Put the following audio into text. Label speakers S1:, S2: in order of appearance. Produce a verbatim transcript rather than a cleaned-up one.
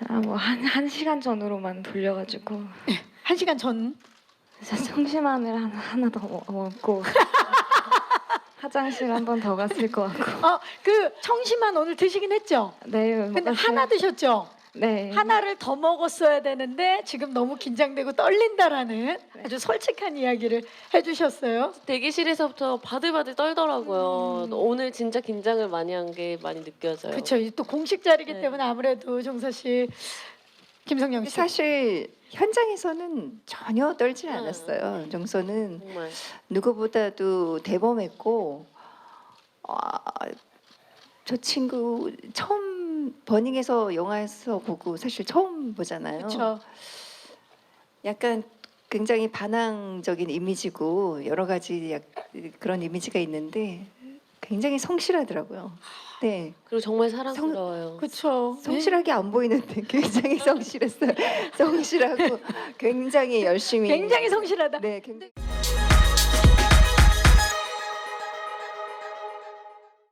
S1: 아, 뭐 한 한 시간 전으로만 돌려가지고
S2: 한 시간 전.
S1: 진짜 청심환을 하나, 하나 더 먹- 먹고 화장실 한 번 더 갔을 것 같고.
S2: 어, 그 청심환 오늘 드시긴 했죠?
S1: 네,
S2: 근데
S1: 먹었어요.
S2: 하나 드셨죠?
S1: 네.
S2: 하나를 더 먹었어야 되는데 지금 너무 긴장되고 떨린다라는 아주 솔직한 이야기를 해주셨어요.
S3: 대기실에서부터 바들바들 떨더라고요.
S2: 음.
S3: 오늘 진짜 긴장을 많이 한 게 많이 느껴져요.
S2: 그렇죠. 또 공식 자리기
S3: 네.
S2: 때문에 아무래도 종서 씨, 김성영 씨.
S4: 사실 현장에서는 전혀 떨지
S3: 응.
S4: 않았어요. 정서는
S3: 정말.
S4: 누구보다도 대범했고, 아, 저 친구 처음 버닝에서 영화에서 보고 사실 처음 보잖아요.
S2: 그렇죠.
S4: 약간 굉장히 반항적인 이미지고 여러 가지 약, 그런 이미지가 있는데 굉장히 성실하더라고요. 네,
S3: 그리고 정말 사랑스러워요.
S2: 그렇죠.
S4: 성실하게 안 보이는데 굉장히 성실했어요. 성실하고 굉장히 열심히.
S2: 굉장히 성실하다.
S4: 네, 굉장히.